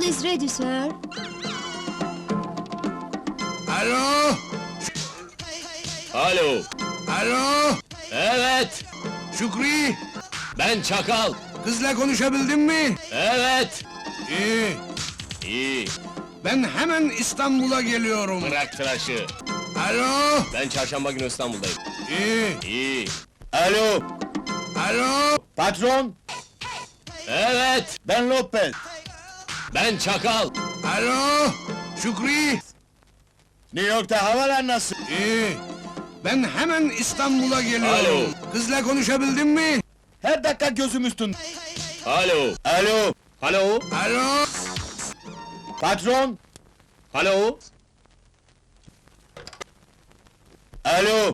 is ready, sir. Alo! Alo, Alo! evet, Şükrü! ben Çakal. Kızla konuşabildin mi? Evet, İyi. iyi, Ben hemen İstanbul'a geliyorum. bırak tıraşı. Alo! Ben çarşamba günü İstanbul'dayım. İyi. İyi. Alo, Alo! patron. Evet, Ben Lopez. ben Çakal. Alo! Şükrü! New York'ta havalar nasıl? İyi. Ben hemen İstanbul'a geliyorum. Kızla konuşabildin mi? Her dakika gözüm üstünde. Alo, Alo, alo, Alo! patron. alo. Alo,